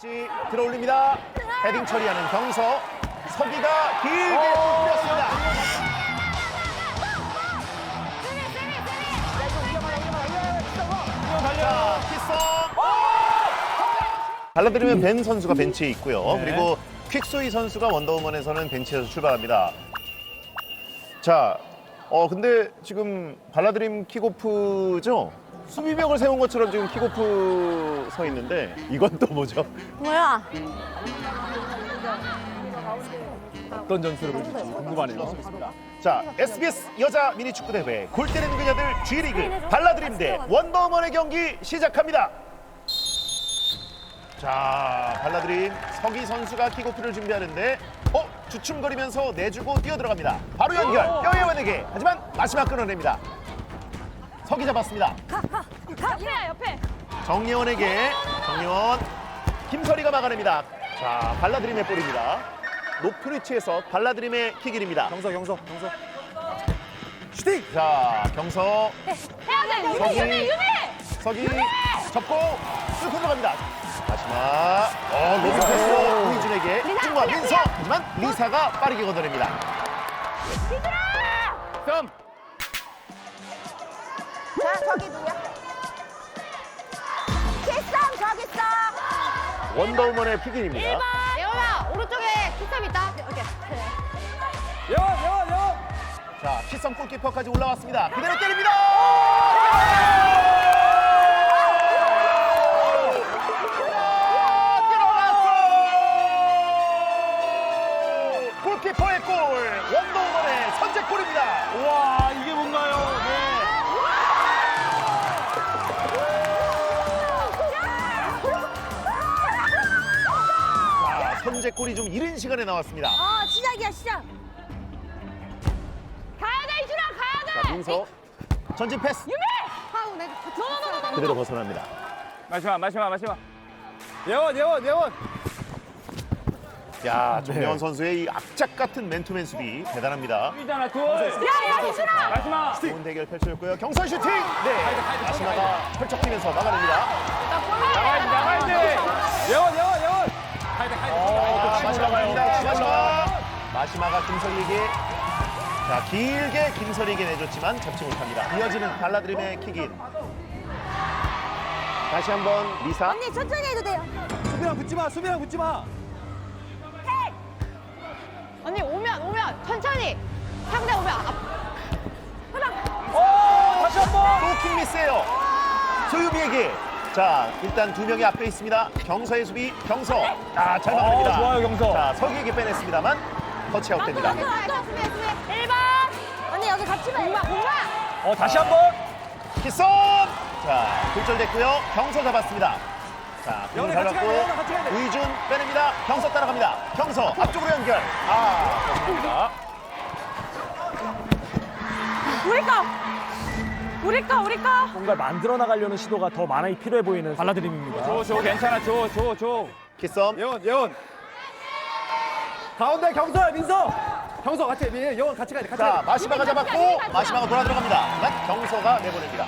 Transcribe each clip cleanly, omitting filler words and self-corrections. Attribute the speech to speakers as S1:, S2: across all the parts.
S1: 엣지 들어올립니다. 헤딩 처리하는 경서. 서기가 길게 뿌렸습니다. 자, 키썸. 발라드리면 벤 선수가 벤치에 있고요.
S2: 네.
S1: 그리고 퀵소이 선수가 원더우먼에서는 벤치에서 출발합니다. 자, 근데 지금 발라드림 킥오프죠? 수비벽을 세운 것처럼 지금 킥오프 서 있는데 이건 또 뭐죠?
S3: 뭐야?
S2: 어떤 전술을 보여줄지 궁금하네요.
S1: 자, SBS 여자 미니축구 대회 골 때리는 그녀들 G리그 발라드림 대 원더우먼의 경기 시작합니다. 자, 발라드림 서기 선수가 킥오프를 준비하는데 주춤거리면서 내주고 뛰어들어갑니다. 바로 연결, 뼈예원에게. 하지만 마지막 끊어냅니다. 서기 잡았습니다.
S3: 옆에 옆에.
S1: 정예원에게. 정예원. 김설이가 막아냅니다. 자, 발라드림의 볼입니다. 높은 위치에서 발라드림의 킥일입니다.
S2: 경서.
S1: 슈팅! 자, 경서.
S3: 해야 돼.
S1: 서기.
S3: 유미.
S1: 서기 접고 뚫고 들어갑니다. 마지막 로드 패스 우희준에게 중과 민서. 하지만 리사가 빠르게 걷어냅니다.
S2: 점.
S3: 자, 저기 누구야? 키쌈 저기 있어.
S1: 원더우먼의 픽인입니다.
S3: 예원아, 오른쪽에 키쌈 있다. 오케이.
S2: 예원.
S1: 자, 키썸 골키퍼까지 올라왔습니다. 그대로 때립니다. 들어갔어. 골키퍼의 골. 원더우먼의 선제골입니다.
S2: 와, 이게 뭔가요? 네.
S1: 자, 선제골이 좀 이른 시간에 나왔습니다.
S3: 시작이야, 시작. 가야 돼, 이준아, 가야 돼.
S1: 자, 민서 전진 패스
S3: 유미. 하우 내가 너너너너.
S1: 그대로 벗어납니다.
S2: 마지막. 예원.
S1: 야, 정명원 선수의 이 악착 같은 맨투맨 수비 대단합니다.
S2: 수비잖아, 둘.
S3: 야, 이준아.
S2: 마지막.
S1: 좋은 대결 펼쳐졌고요. 경선 슈팅! 네, 마시마가 펼쳐키면서 막아냅니다.
S2: 나가야지. 예원.
S1: 마시마가 김설이에게 자 길게 김설이에게 내줬지만 잡지 못합니다. 이어지는 발라드림의 킥인. 다시 한번 리사.
S3: 언니 천천히 해도 돼요.
S2: 수비랑 붙지 마.
S3: 언니 오면 천천히. 상대 오면
S2: 다시 한 번.
S1: 또 킥 미스예요. 소유미에게. 자, 일단 두 명이 앞에 있습니다. 경서의 수비, 경서. 잘 막아냅니다.
S2: 좋아요, 경서.
S1: 자, 서기에게 빼냈습니다만 터치아웃 됩니다.
S3: 수비. 1번. 언니 여기 같이 봐. 공마.
S2: 다시 한 번.
S1: 키썸! 자, 굴절됐고요. 경서 잡았습니다. 자, 공을
S2: 영원히 같이
S1: 잡았고
S2: 가야 돼, 영원히 같이 가야 돼.
S1: 우이준 빼냅니다. 경서 따라갑니다. 경서 앞쪽으로 연결. 좋습니다.
S3: 우리 거.
S4: 뭔가 만들어 나가려는 시도가 더 많이 필요해 보이는 발라드림입니다.
S2: 줘, 괜찮아. 줘.
S1: 키썸.
S2: 예원. 가운데 경서, 민서. 경서 같이 예원 같이 가야 돼.
S1: 자, 마시마가 잡았고 마시마가 돌아 들어갑니다. 하지만 경서가 내보냅니다.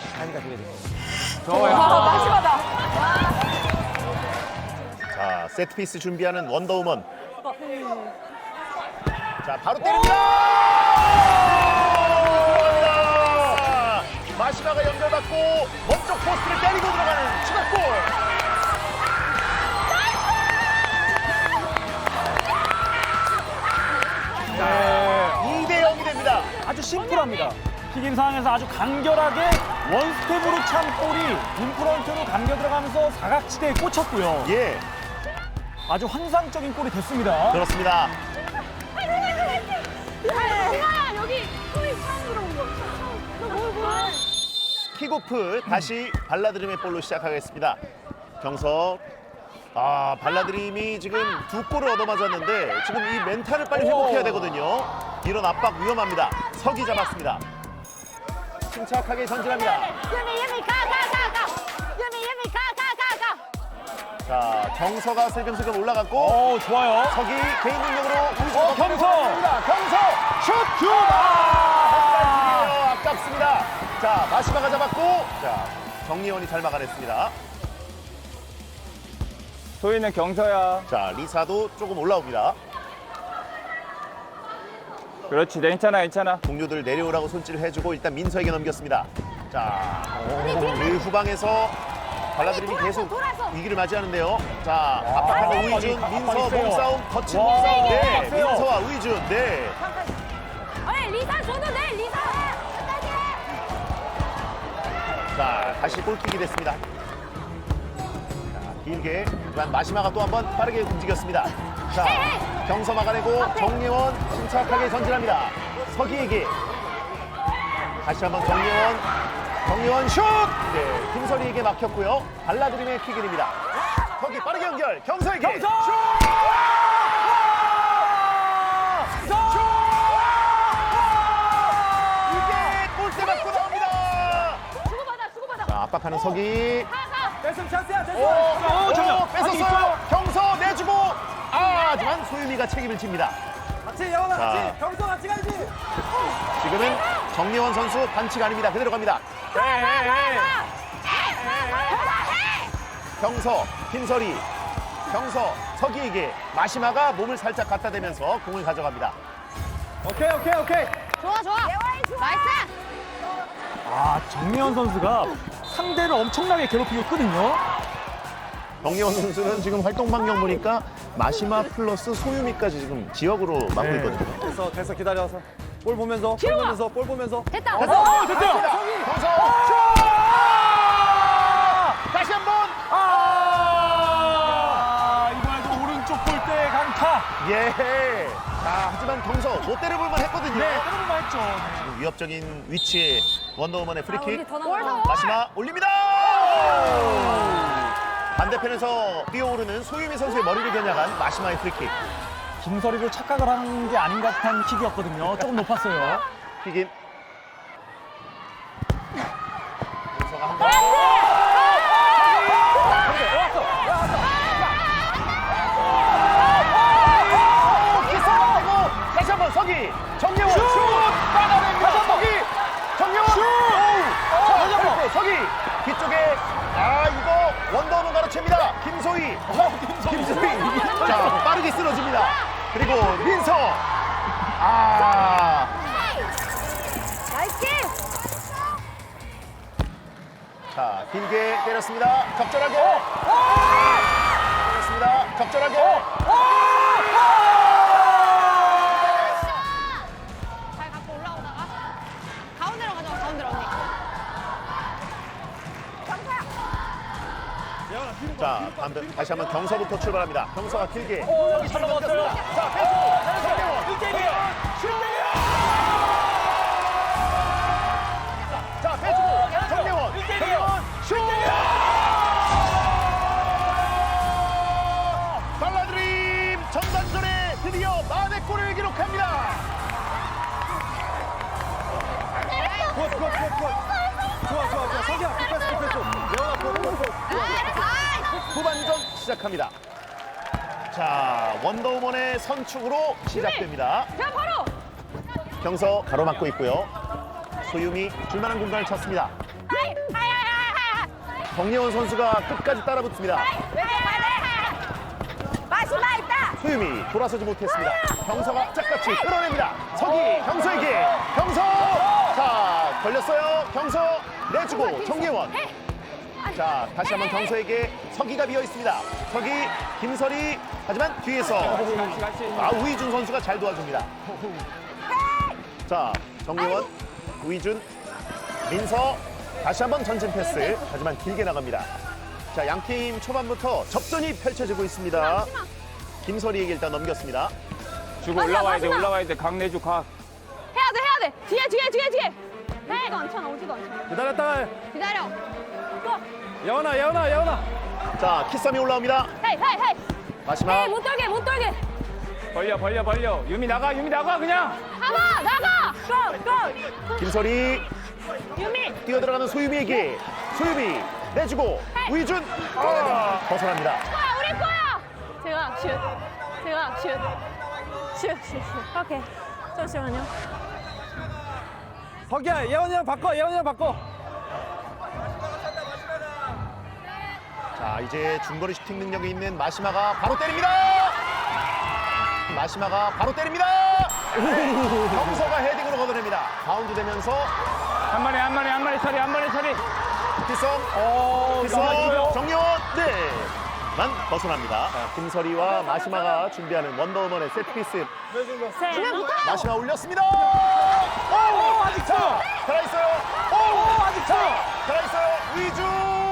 S3: 마시마다.
S1: 자, 세트피스 준비하는 원더우먼. 자, 바로 때립니다. 들어갑니다. 마시마가 연결받고 먼쪽 포스트를 때리고 들어가는 추가골. 자, 2대 0이 됩니다.
S4: 아주 심플합니다. 킥인 상황에서 아주 간결하게 원스텝으로 찬 볼이 인프런트로 감겨 들어가면서 사각지대에 꽂혔고요.
S1: 예,
S4: 아주 환상적인 골이 됐습니다.
S1: 그렇습니다.
S3: 야, 여기 소리 처음 들어온 거. 너
S1: 킥오프 다시 발라드림의 볼로 시작하겠습니다. 경서. 발라드림이 지금 두 골을 얻어맞았는데 지금 이 멘탈을 빨리 회복해야 되거든요. 이런 압박 위험합니다. 서기 잡았습니다. 침착하게 전진합니다.
S3: 유미 가. 유미 가.
S1: 자, 경서가 슬금슬금 올라갔고
S4: 좋아요.
S1: 서기 개인 능력으로 우주로
S4: 경서!
S1: 경서 슛! 아깝습니다. 자, 마시마가 잡았고 자, 정예원이 잘 막아냈습니다.
S5: 소희는 경서야.
S1: 자, 리사도 조금 올라옵니다.
S5: 그렇지, 괜찮아, 괜찮아.
S1: 동료들 내려오라고 손질을 해주고 일단 민서에게 넘겼습니다. 자, 그 후방에서 발라드림이 계속
S3: 돌아서.
S1: 위기를 맞이하는데요. 자, 압박하는 우이준, 민서
S4: 세요.
S1: 몸싸움, 거친
S4: 와,
S1: 몸싸움. 네,
S4: 빡세요.
S1: 민서와 우이준. 네.
S3: 어이 리사 줘도 돼 리사. 끝까지.
S1: 자, 다시 골킥이 됐습니다. 자, 길게. 하지만 마시마가 또 한 번 빠르게 움직였습니다. 자, 경서 막아내고 정예원 침착하게 전진합니다. 서기에게. 다시 한번 정예원 슛! 네, 김설이에게 막혔고요. 발라드림의 킥인입니다. 서기 빠르게 연결. 경서에게.
S4: 경서!
S1: 슛! 이게 골대 맞고 나옵니다.
S3: 주고받아.
S1: 자, 압박하는 서기.
S2: 뺏음 찬스야, 찬스.
S4: 정면.
S1: 뺏었어요. 경서 내주고. 하지만 소유미가 책임을 집니다.
S2: 같이 예원아,
S1: 자.
S2: 같이. 경서 같이 가야지.
S1: 지금은 정예원 선수 반칙 아닙니다. 그대로 갑니다. 경서, 김설이, 경서, 서기에게 마시마가 몸을 살짝 갖다 대면서 공을 가져갑니다.
S2: 오케이.
S3: 좋아. 나이스.
S4: 정미현 선수가 상대를 엄청나게 괴롭히고 있거든요.
S1: 정예원 선수는 지금 활동 반경 보니까 마시마 플러스 소유미까지 지금 지역으로 맡고
S4: 네.
S1: 있거든요.
S2: 됐어, 기다려서. 볼 보면서,
S3: 키우아.
S2: 볼 보면서.
S3: 됐다.
S1: 됐어요.
S4: 됐어요.
S1: 경서, 슛! 다시 한 번.
S4: 이번에도 오른쪽 골대 강타.
S1: 예. 자, 하지만 경서 못 때려볼만 했거든요.
S4: 때려볼만 했죠.
S1: 위협적인 위치에 원더우먼의 프리킥.
S3: 더
S1: 마시마 올립니다. 반대편에서 뛰어오르는 소유미 선수의 머리를 겨냥한 마시마의 프리킥.
S4: 김설이도 착각을 한 게 아닌 것 같은 킥이었거든요. 조금 높았어요.
S1: 킥인. 윤서가 한 번. 다시 한번 서기. 정예원 슛! 빨아냅니다. 서기. 정예원 슛! 자, 서기. 뒤쪽에 이거 원더우먼 가로챕니다. 김소희. 김소희. 자, 빠르게 쓰러집니다. 그리고 민서.
S3: 나이스.
S1: 자, 길게 때렸습니다. 적절하게. 때렸습니다. 적절하게.
S3: 잘 갖고 올라오다가 가운데로 가져가 가운데로 언니.
S1: 자, 다시 한번 경서부터 출발합니다. 경서가 길게.
S4: 잘 넘었어요.
S1: 자, 패스. 정예원.
S4: 1대1이에요.
S1: 자, 빼주고. 정예원. 슛! 발라드림 전반전에 드디어 만의 골을 기록합니다.
S2: 좋아. 서기야, 굿패스. 예원아, 굿.
S1: 후반전 시작합니다. 자, 원더우먼의 선축으로 시작됩니다.
S3: 자 바로.
S1: 경서 가로막고 있고요. 소유미 줄만한 공간을 찾습니다.
S3: 하이.
S1: 정예원 선수가 끝까지 따라붙습니다.
S3: 마시마 있다.
S1: 소유미 돌아서지 못했습니다. 경서가 짝같이 끌어냅니다. 서기 경서에게. 경서. 자, 걸렸어요. 경서 내주고 정예원. 자, 다시 한번 경서에게 서기가 비어 있습니다. 서기, 김설이. 하지만 뒤에서 우이준 선수가 잘 도와줍니다. 자, 정예원, 우이준, 민서. 다시 한번 전진 패스. 하지만 길게 나갑니다. 자, 양팀 초반부터 접전이 펼쳐지고 있습니다. 김설이에게 일단 넘겼습니다.
S5: 주고 올라와야 돼. 각 내주 각.
S3: 해야 돼. 뒤에. 오지도 않잖아.
S2: 기다렸다가.
S3: 기다려. 또.
S2: 예원아.
S1: 자, 키썸이 올라옵니다.
S3: 헤이.
S1: 마지막.
S3: 못 돌게.
S5: 벌려. 유미 나가 그냥.
S3: 가봐 나가. 고.
S1: 김설이
S3: 유미.
S1: 뛰어들어가는 소유미에게. 소유미 내주고 우이준 벗어납니다.
S3: 우리 거야. 제가 슛. 오케이. 잠시만요.
S2: 서기야, 예원이랑 바꿔.
S1: 자, 자, 이제 중거리 슈팅 능력이 있는 마시마가 바로 때립니다. 마시마가 바로 때립니다. 경서가 헤딩으로 걷어냅니다. 바운드 되면서
S5: 한 마리 처리.
S1: 기성,
S4: 이거
S1: 정리원, 네. 만 벗어납니다. 자, 김설이와 마시마가 준비하는 원더우먼의 세트피스. 마시마 올렸습니다. 오, 아직 차. 살아있어요. 오, 아직 차. 살아있어요. 위준.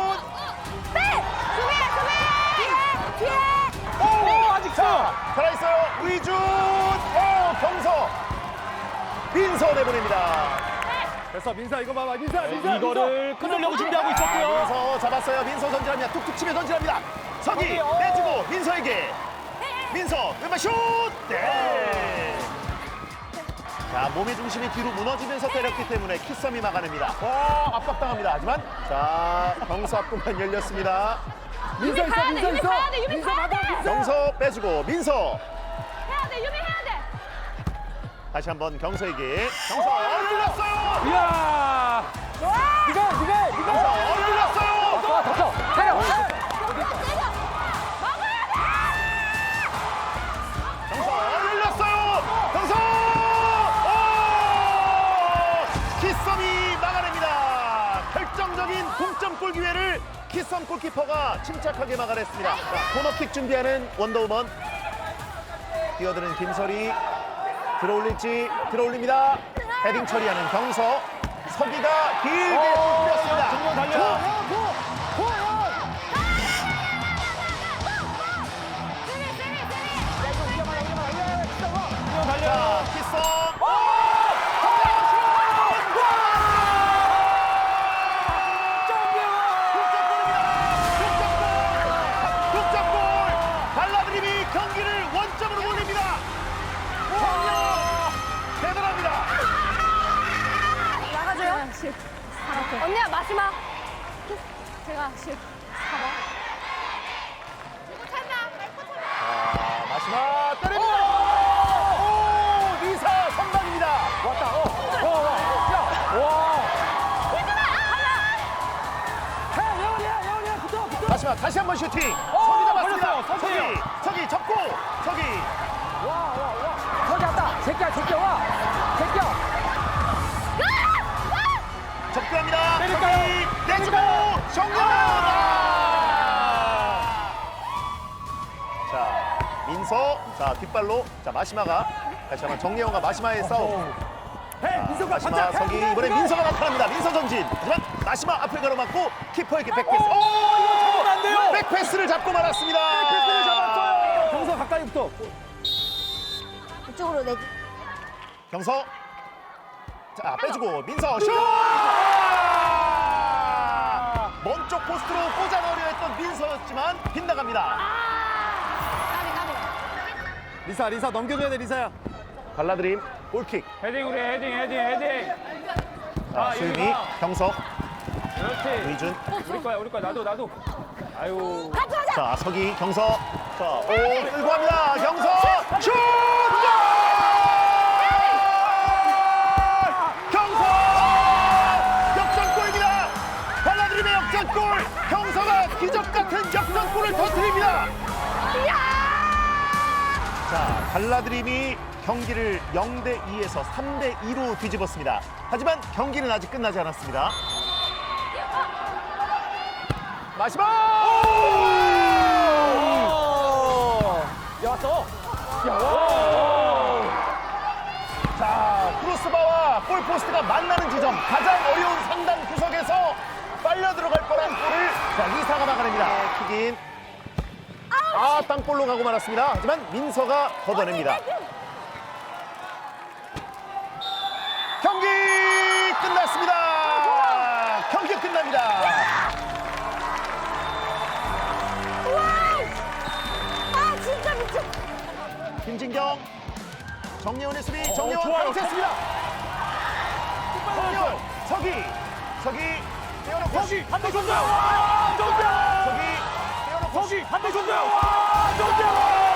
S3: 뒤에.
S1: 오, 아직 차. 살아있어요. 위준. 오, 경서. 민서 내보냅니다.
S2: 됐어, 민사 이거 봐봐. 민사.
S4: 이거를 끊으려고 준비하고 있었고요.
S1: 민서 잡았어요. 민서 전진합니다. 툭툭 치며 전진합니다. 서기 내주고 민서에게. 민서 왼발 슛. 네. 자, 몸의 중심이 뒤로 무너지면서 때렸기 때문에 키썸이 막아냅니다. 압박당합니다. 하지만 자, 경서 앞구만 열렸습니다.
S3: 유미 가야 돼. 유미 가야 돼.
S1: 경서 빼주고 민서.
S3: 해야 돼. 유미 해야 돼.
S1: 다시 한번 경서에게. 경서 열렸어요.
S5: 이야.
S1: 경서 열렸어요. 경서 열렸어요. 경서. 오! 키썸이 막아냅니다. 결정적인 동점골 기회를 키썸 골키퍼가 침착하게 막아냈습니다. 자, 코너킥 준비하는 원더우먼. 뛰어드는 김설이 들어올릴지 들어올립니다. 헤딩 처리하는 경서. 서기가 길게 뿌렸습니다.
S4: 정면 달려.
S1: 자, 키썸. 득점골! 발라드림이 경기를 원점으로 돌립니다. 대단합니다.
S3: 나가줘요. 언니야 마지막. 제가 10.
S1: 자, 마지막 때립니다. 오, 리사 선방입니다.
S2: 왔다. 예원이야, 붙어.
S1: 마지막 다시 한번 슈팅. 서기 잡았습니다.
S4: 걸렸어요, 서기.
S1: 서기 접고 서기.
S2: 저기 왔다. 제껴 와.
S1: 접근합니다.
S4: 때릴까요?
S1: 서기 내주고 정면. 자, 민서. 자, 뒷발로. 자, 마시마가 다시 한번 정예원과 마시마의 싸움.
S2: 민서가
S1: 마시마 서기 이번에 민서가 나타납니다. 민서 전진. 하지만 마시마 앞을 가로막고 키퍼에게 백패스.
S4: 잡으면 안 돼요.
S1: 백패스를 잡고 말았습니다.
S2: 패스를 잡았어요. 경서 가까이 붙어.
S3: 이쪽으로 내.
S1: 경서. 자, 빼주고 민서 슛! 먼 쪽 포스트로 꽂아 넣으려 했던 민서였지만 빗나갑니다.
S2: 리사 넘겨줘야 돼, 리사야.
S1: 발라드림 골킥.
S5: 헤딩 우리 헤딩.
S1: 자, 수윤이, 경석,
S5: 그렇지.
S1: 위준.
S5: 우리 거야. 나도. 아유.
S1: 자, 서기, 경석. 자, 오, 끌고 갑니다. 경석 슛! 경석! 역전골입니다. 발라드림의 역전골. 경서가 기적 같은 역전골을 터뜨립니다. 자, 발라드림이 경기를 0대2에서 3대2로 뒤집었습니다. 하지만 경기는 아직 끝나지 않았습니다. 마지막!
S4: 야, 왔어.
S1: 자, 크로스바와 골포스트가 만나는 지점, 가장 어려운 상단 구석에서 빨려 들어갈 뻔한 골을 자, 리사가 막아냅니다. 킥인. 땅볼로 가고 말았습니다. 하지만 민서가 걷어냅니다. 경기 끝났습니다. 경기 끝납니다.
S3: 아 진짜 미쳐.
S1: 김진경, 정예원의 수비, 정예원
S4: 좋아요.
S1: 강했습니다. 정예원, 서기, 떼어놓고
S4: 한대 줬어요.
S1: 서기, 떼어놓고
S4: 한대 줬어요.